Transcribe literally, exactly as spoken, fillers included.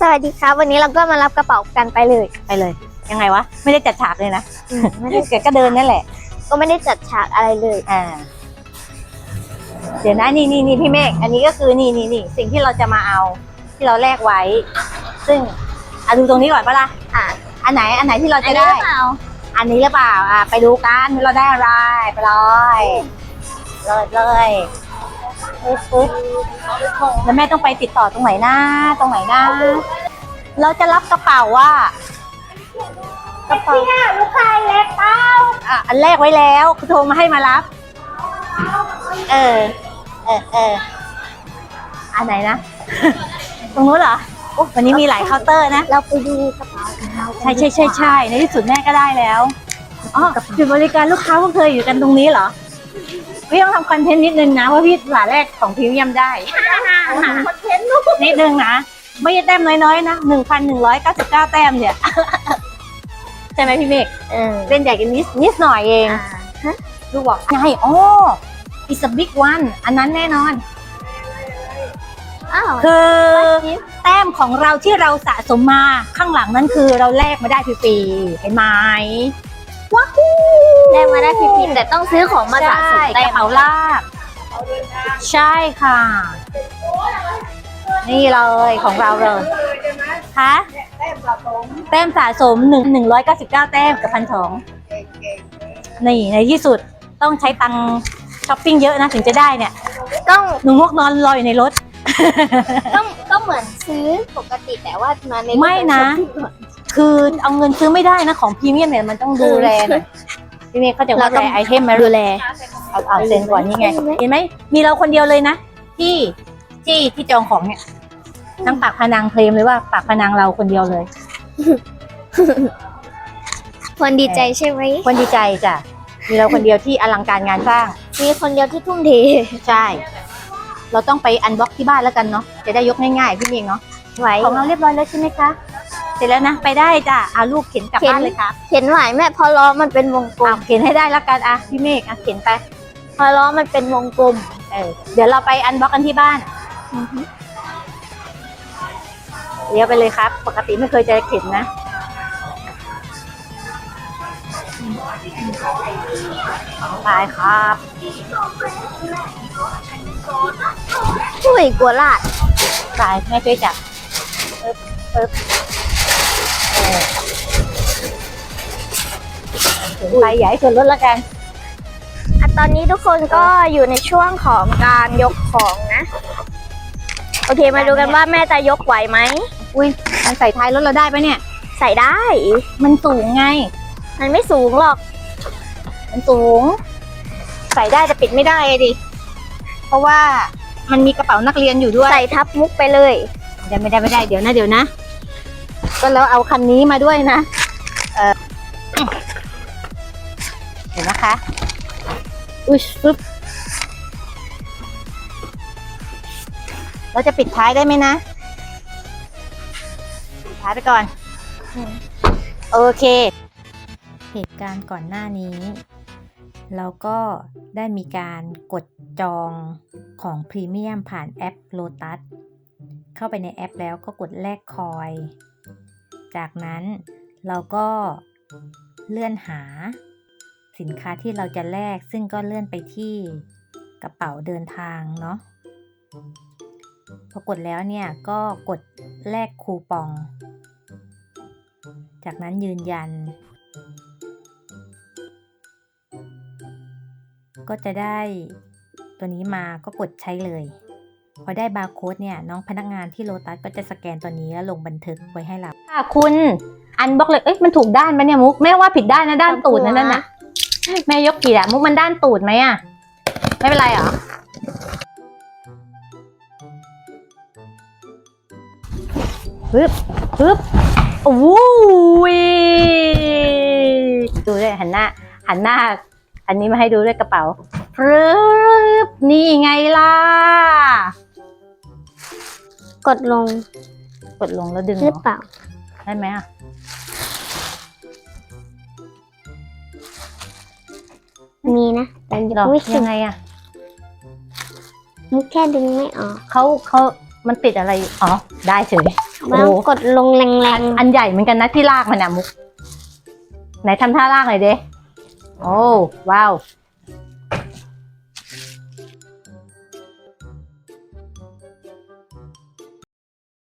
วัสดีครับวันนี้เราก็มารับกระเป๋ากันไปเลยไปเลยยังไงวะไม่ได้จัดฉากเลยนะไม่ได้เกิดก็เดินนั่นแหละก็ไม่ได้จัดฉากอะไรเลยอ่าเดี๋ยวนะนี่นี่นี่พี่เมฆอันนี้ก็คือนี่นี่นี่สิ่งที่เราจะมาเอาที่เราแลกไว้ซึ่งอ่ะดูตรงนี้ก่อนปะล่ะอ่ะอันไหนอันไหนที่เราจะได้อันนี้หรือเปล่าอ่ะไปดูกันเราได้อะไรไปเลยเลยเลยปึ๊บปึ๊บแล้วแม่ต้องไปติดต่อตรงไหนนะตรงไหนนะเราจะรับกระเป๋าว่ากระเป๋าลูกค้าเล็กเป้าอ่ะอันแรกไว้แล้วคือโทรมาให้มารับเออเออเอออันไหนนะ ตรงนู้นเหรอวันนี้มีหลายเคาน์เตอร์นะเราไปดูกระเป๋าใช่ใช่ใช่ใช่ในที่สุดแม่ก็ได้แล้วอ๋อจุดบริการลูกค้าพวกเธออยู่กันตรงนี้เหรอพี่ต้องทำคอนเทนต์นิดนึงนะว่าพี่หลาแรกของพรีเมียมได้คอนเทนต์นิดนึงนะไม่ใช่แต้มน้อยๆนะหนึ่งพันหนึ่งร้อยเก้าสิบเก้าแต้มเนี่ยใช่ไหมพี่เมฆเล่นใหญ่กันนิดนิดหน่อยเองลูกบอกไงอ๋อ it's a big one อันนั้นแน่นอนคือแต้มของเราที่เราสะสมมาข้างหลังนั้นคือเราแลกมาได้ฟรีๆเห็นไหมว้าวแลกมาได้ฟรีๆแต่ต้องซื้อของมาสะสมกระเป๋าลากใช่ค่ะนี่เลยของเราเลยคะแต้มสะสมหนึ่งหนึ่งร้อยเก้าสิบเก้าแต้มกับพันสองนี่ในที่สุดต้องใช้ตังค์ช้อปปิ้งเยอะนะถึงจะได้เนี่ยต้องหนูมกนอนรออยู่ในรถต้องต้องเหมือนซื้อปกติแต่ว่ามาในไม่นะคือเอาเงินซื้อไม่ได้นะของพรีเมียมเนี่ยมันต้องดูแลหน่อยพี่เมย์เขาจะว่าแลไอเทมมาดูแลเอาเอาเซ็นก่อนนี่ไงเห็นไหมมีเราคนเดียวเลยนะที่ที่ที่จองของเนี่ยทั้งปากพนังเคลมเลยว่าปากพนังเราคนเดียวเลยคนดีใจใช่ไหมคนดีใจจ้ะมีเราคนเดียวที่อลังการงานสร้างมีคนเดียวที่ทุ่มเทใช่เราต้องไปอันบ็อกที่บ้านแล้วกันเนาะจะได้ยกง่ายๆพี่เมย์เนาะไหวของเราเรียบร้อยแล้วใช่ไหมคะเสร็จแล้วนะไปได้จ้ะเอาลูกเข็นกลับบ้านเลยค่ะเข็นไหวแม่พอล้อมันเป็นวงกลมเข็นให้ได้แล้วกันอ่ะพี่เมฆอ่ะเข็นไปพอล้อมันเป็นวงกลมเออเดี๋ยวเราไปอันบ็อกกันที่บ้านเลี้ยวไปเลยครับปกติไม่เคยจะเข็นนะไปครับช่วยกลัวลาดไปแม่ช่วยจับปึ๊บปึ๊บถึงไปใหญ่ส่วนลดแล้วกันตอนนี้ทุกคนก็อยู่ในช่วงของการยกของนะโอเคมาดูกันว่าแม่จะยกไหวไหมอุ้ยมันใส่ท้ายรถเราได้ปะเนี่ยใส่ได้มันสูงไงมันไม่สูงหรอกมันสูงใส่ได้แต่ปิดไม่ได้ดิเพราะว่ามันมีกระเป๋านักเรียนอยู่ด้วยใส่ทับมุกไปเลยเดี๋ยวไม่ได้ไม่ได้เดี๋ยวนะเดี๋ยวนะก็แล้วเอาคันนี้มาด้วยนะเออเห็นนะคะอุ้ยปึ๊บเราจะปิดท้ายได้ไหมนะปิดท้ายไปก่อนโอเคเหตุการณ์ก่อนหน้านี้เราก็ได้มีการกดจองของพรีเมียมผ่านแอป Lotus เข้าไปในแอปแล้วก็กดแลกคอยจากนั้นเราก็เลื่อนหาสินค้าที่เราจะแลกซึ่งก็เลื่อนไปที่กระเป๋าเดินทางเนาะพอกดแล้วเนี่ยก็กดแลกคูปองจากนั้นยืนยันก็จะได้ตัวนี้มาก็กดใช้เลยพอได้บาร์โค้ดเนี่ยน้องพนักงานที่โลตัสก็จะสแกนตัวนี้แล้วลงบันทึกไว้ให้เราค่ะคุณอันบล็อกเลยเอ้ยมันถูกด้านไหมเนี่ยมุกแม่ว่าผิดด้านนะด้านตูดนั่นน่ะแม่ยกผิดอะมุกมันด้านตูดไหมอะไม่เป็นไรเหรอปึ๊บปึ๊บโอ้ยดูด้วยหันหน้าหันหน้าอันนี้มาให้ดูด้วยกระเป๋าปึ๊บนี่ไงล่ะกดลงกดลงแล้วดึงหรือเปล่าได้ไหมอ่ะมีนะแต่ยังไงอ่ะมุกแค่ดึงไม่ออกเขาเขามันติดอะไรอ๋อได้เฉยมันต้องกดลงแรงอันใหญ่เหมือนกันนะที่ลากมันอะมุกไหนทำท่าลากหน่อยเด้โอ้ว้าวๆ